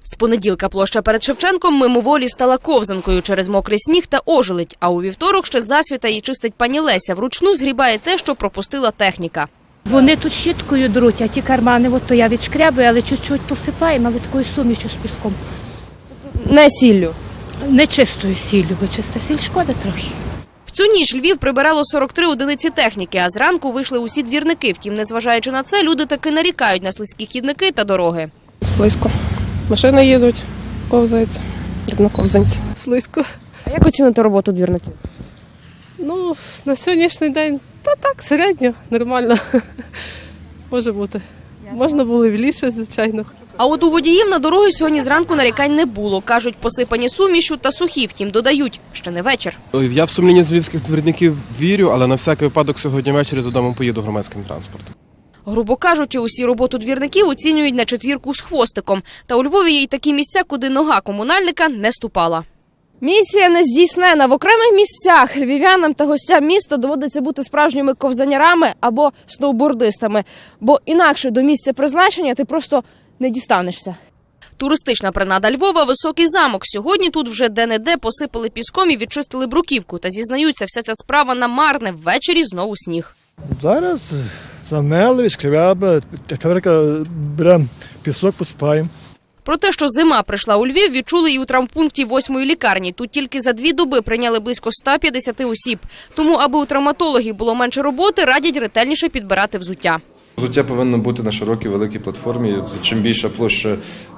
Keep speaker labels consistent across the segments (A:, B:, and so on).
A: З понеділка площа перед Шевченком мимоволі стала ковзанкою через мокрий сніг та ожеледь. А у вівторок ще засвіта її чистить пані Леся. Вручну згрібає те, що пропустила техніка.
B: Вони тут щіткою друуть, а ті кармани, то я відшкрябую, але чуть-чуть посипаємо, але такою сумішю з піском.
A: Не сіллю.
B: Не чистою сіллю, бо чиста сіль шкода трохи.
A: В цю ніч Львів прибирало 43 одиниці техніки, а зранку вийшли усі двірники. Втім, незважаючи на це, люди таки нарікають на слизькі хідники та дороги.
C: Слизько. Машини їдуть, ковзаються, як на ковзанці. Слизько.
A: А як оцінити роботу двірників?
C: Ну, на сьогоднішній день, так, середньо, нормально. Може бути. Можна було і більше, звичайно.
A: А от у водіїв на дороги сьогодні зранку нарікань не було. Кажуть, посипані сумішю та сухі, втім додають, ще не вечір.
D: Я в сумлінність львівських двірників вірю, але на всякий випадок сьогодні ввечері додому поїду громадським транспортом.
A: Грубо кажучи, усі роботу двірників оцінюють на четвірку з хвостиком. Та у Львові є й такі місця, куди нога комунальника не ступала. Місія не здійснена. В окремих місцях львів'янам та гостям міста доводиться бути справжніми ковзанярами або сноубордистами. Бо інакше до місця призначення ти просто не дістанешся. Туристична принада Львова – Високий замок. Сьогодні тут вже де-не-де посипали піском і відчистили бруківку. Та зізнаються, вся ця справа намарне. Ввечері знову сніг.
E: Зараз замели, відшкрябали, тепер беремо пісок, посипаємо.
A: Про те, що зима прийшла у Львів, відчули і у травмпункті 8-ї лікарні. Тут тільки за 2 доби прийняли близько 150 осіб. Тому, аби у травматологів було менше роботи, радять ретельніше підбирати взуття.
F: Взуття повинно бути на широкій, великій платформі. Чим більша площа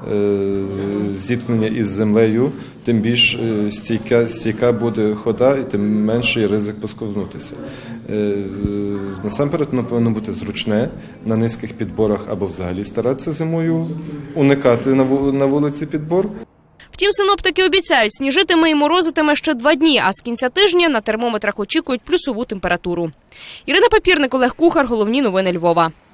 F: зіткнення із землею, тим більш стійка буде хода і тим менший ризик посковзнутися. Насамперед, воно повинно бути зручне, на низьких підборах або взагалі старатися зимою уникати на вулиці підбор.
A: Втім, синоптики обіцяють, сніжитиме і морозитиме ще 2 дні, а з кінця тижня на термометрах очікують плюсову температуру. Ірина Папірник, Олег Кухар. Головні новини Львова.